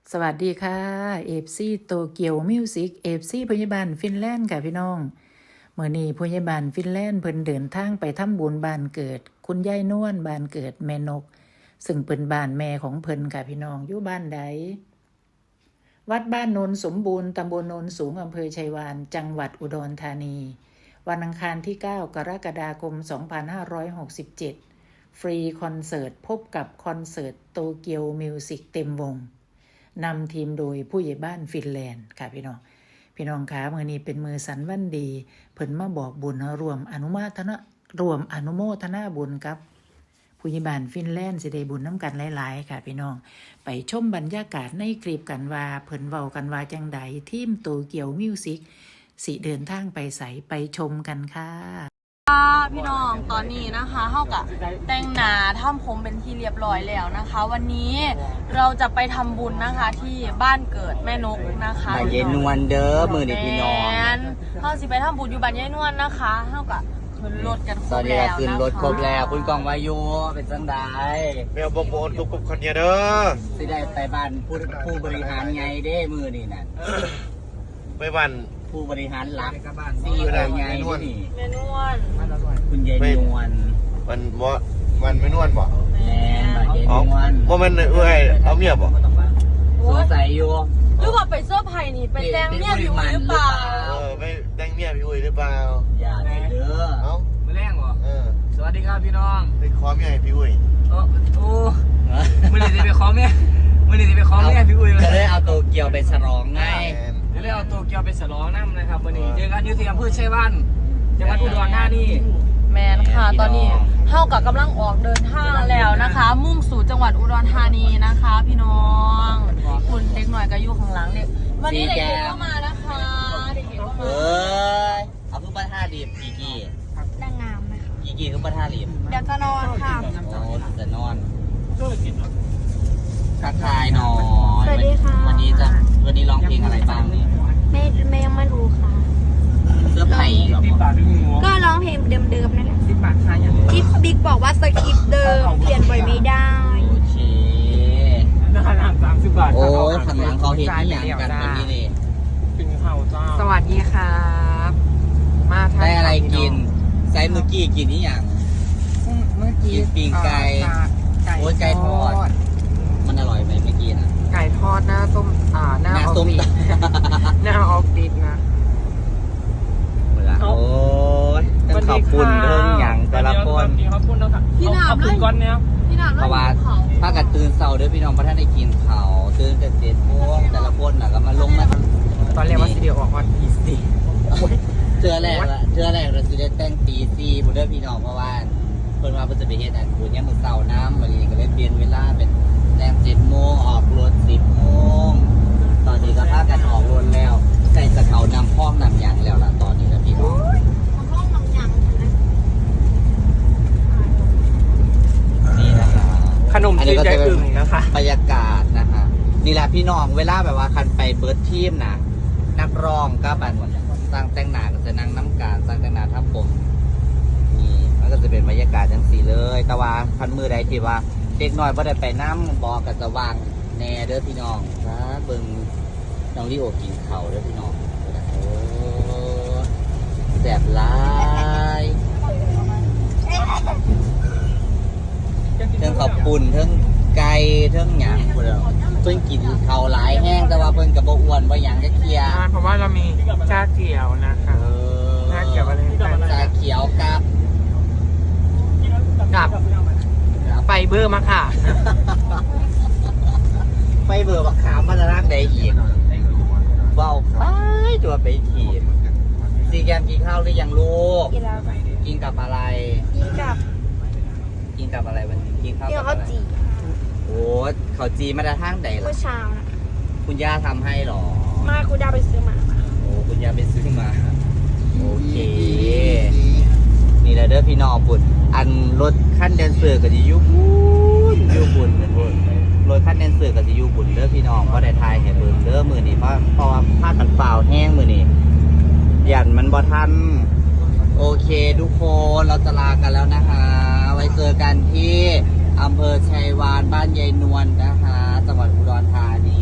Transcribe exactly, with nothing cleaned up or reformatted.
สวัสดีค่ะเอฟซีโตเกียวมิวสิกเอฟซีพยาบาลฟินแลนด์ค่ะพี่น้องเมื่อนี้พยาบาลฟินแลนด์เพิ่นเดินทางไปทำบุญบ้านเกิดคุณยายนวลบ้านเกิดแม่นกซึ่งเป็นบ้านแม่ของเพิ่นค่ะพี่น้องอยู่บ้านใดวัดบ้านโนนสมบูรณ์ตำบลโนนสูงอำเภอชัยวานจังหวัดอุดรธานีวันอังคารที่เก้ากรกฎาคมสองพันห้าร้อยหกสิบเจ็ดฟรีคอนเสิร์ตพบกับคอนเสิร์ตโตเกียวมิวสิกเต็มวงนำทีมโดยผู้ใหญ่บ้านฟินแลนด์ค่ะพี่น้องพี่น้องคะมื้อนี้เป็นมือสันวันดีเพิ่นมาบอกบุญรวมอนุโมทนารวมอนุโมทนาบุญกับผู้ใหญ่บ้านฟินแลนด์สิได้บุญน้ำกันหลายๆค่ะพี่น้องไปชมบรรยากาศในคลิปกันว่าเพิ่นเว้ากันว่าจังใดทีมโตเกียวมิวสิกสิเดินทางไปไสไปชมกันค่ะพี่น้องตอนนี้นะคะเท่ากับแต่งหน้าทำผมเป็นที่เรียบร้อยแล้วนะคะ วันนี้เราจะไปทำบุญนะคะที่บ้านเกิดแม่นกนะคะบ้านยายนวลเด้อมือเด็กพี่น้องเท่าสิไปทำบุญอยู่บ้านยายนวลนะคะเท่ากับขึ้นรถกันครตอบ นนี้แล้วขึ้นนะคะรถครบแล้วคุณกองวายุเป็นจังไดแมวบงโบนกุบกุบคนเดียวเด้อสิได้ไปบ้านผู้ผู้บริหารไงเด้มือนี่น่ะไปวันผู้บริหารหลักซี่โอไงนี่แม่นวลคุณยายนวลวันวะวันไม่นวลบ่แม่บ้านยายอ๋อนวลว่ามันเอ้ยเอาเมียบ่สงสัยอยู่หรือว่าไปเสื้อไผ่นี่ไปแต่งเมียอยู่หรือเปล่าเออไปแต่งเมียพี่อุ้ยหรือเปล่าอย่าเลยเด้อเอ้ามือแรงเหรอเออสวัสดีครับพี่น้องไปขอเมียให้พี่อุ้ยโอ้โอ้มือนี้จะไปขอแม่มือนี้จะไปขอแม่พี่อุ้ยจะได้เอาโตเกียวไปฉลองไงแอนเดี๋ยวเลยเอาตัวเกียวไปฉลองน้ำนะครับวันนี้เจอกันอยุที่อำเภอชัยวันจังหวัดอุดรธานีแมนค่ะตอนนี้เท่ากับกำลังออกเดินทางแล้วนะคะ มุ่งสู่จังหวัดอุดรธานีนะคะ พี่น้องคุณเด็กหน่อยก็อยู่ข้างหลังเด็กวันนี้เด็กๆก็มานะคะเด็กๆก็เอมา้ยเอาคือประท่าดีบกี่กี่นางงามไหมคะกี่กี่คือประท่าดีบเดี๋ยวจะนอนค่ะโอ้จะนอนทักทายหน่อยสวัสดีค่ะวันนี้จะวันนี้ร้องเพลงอะไรบ้างเนี่ยไม่ไม่ยังไม่รู้ค่ะเสื้อไผ่เหรอสิบบาทดึงหัวก็ร้องเพลงเดิมๆนั่นแหละสิบบาทขายยังที่บิ๊กบอกว่าสคริปต์เดิมเปลี่ยนบ่อยไม่ได้โอเคราคาสามสิบบาทโอ้ยข้างหลังเขาเห็นที่อย่างกันตรงนี้นี่เป็นข้าวเจ้าสวัสดีครับ มาทานได้อะไรกินไซส์เมื่อกี้กินนี่อย่างเมื่อกี้กินปิ้งไก่เอ่อไก่โอ้ยไก่ทอด มันอร่อยไหมเมื่อกี้นะไก่ทอดหน้าส้มอ่าหน้าหน้าออฟส้มฟิศ หน้าออฟฟิศนะเวลาโอ้ยต้องขอบคุณเรื่องอย่างแต่ละคนขอบคุณแล้วค่ะพี่หนามขอบเลคุณยก้อนเนี้ยพี่หนามเพเลยราะว่าเขาถ้ากันตื่นเสาร์เด้อพี่น้องเพราะท่านได้กินข้าวตื่นกันเจ็ดโมงแต่ละคนน่ะก็มาลงมาตอนแรกว่าสิเดียวออกวันที่สี่เจอแรกละเจอแรกเราสิได้แต่งตีซีบุเด้อพี่น้องเพราะว่าเพิ่นว่าเพิ่นจะไปเฮ็ดอันบุญเนี่ยามมื้อเช้าน้ำวันนี้ก็เลยเปลี่ยนเวลาเป็นแต่งเจ็ดโมงออกรถสิบโมงตอนนี้ก็พากันออกรถแล้วใส่สะเขานำพ้องนำหยังแล้วล่ะตอนนี้นะพี่น้องห้องน้องยังนะนี่นะครับขนมจีนใจอึ่งนะคะบรรยากาศนะคะนี่แหละพี่น้องเวลาแบบว่าคันไปเบิร์ดทีมนะนักร้องก็บันสร้างแต่งหน้าก็จะนั่งน้ำการสร้างแต่งหน้าทำผมนี่มันก็จะเป็นบรรยากาศจังสีเลย แต่ว่าคันมือใดที่ว่าเด็กน้อยไ่ได้ไปน้ำบอกกับจะวางแน่เด้อพี่น้องนะเบิ่งน้องลิโอกินเข่าวเด้อพี่น้องโอ้แสบหลายเทิงขอบปุ่นเทิงไก่เทิงหยางพวกเราเพิ่นกินข้าวหลายแห้งแต่ว่าเพิ่นกับบ่อ้วนบ่หยังจะเคลียร์เพราะว่าเรามีชาเขียวนะคะเออชาเขียวอะไรชาเขียวกับกับไฟเบอร์มะค่ะไฟเบอร์บักขามมาจะรักได้อีกเบาไปตัวไปขีดซีแกมกินข้าวหรือยังลูกกินแล้วกินกับอะไรกินกับกินกับอะไรวันนี้กินข้าวกินกับข้าวอะไรจี่โอ้ข้าวจีมาได้ทางใดเมื่ล่ะอเช้านะคุณย่าทำให้หรอมาคุณดาไปซื้อมาโอ้คุณย่าไปซื้อมาโอเคนี่แหละเด้อพี่น้องบุญอันรถขั้นแดนเซอร์ก็จะอยุบุญอยุบุญนะทุกรถขั้นแดนเซอร์ก็จะอยุบุญเด้อพี่น้องเพราะได้ทายให้เบิ่งเด้อมือนี้เพราะเพราะว่าผ้ากันเปล่าแห้งมือนี้ยันมันบ่ทันโอเคทุกคนเราจะลากันแล้วนะคะ ไว้เจอกันที่อำเภอชัยวานบ้านยายนวลนะคะจังหวัดอุดรธานี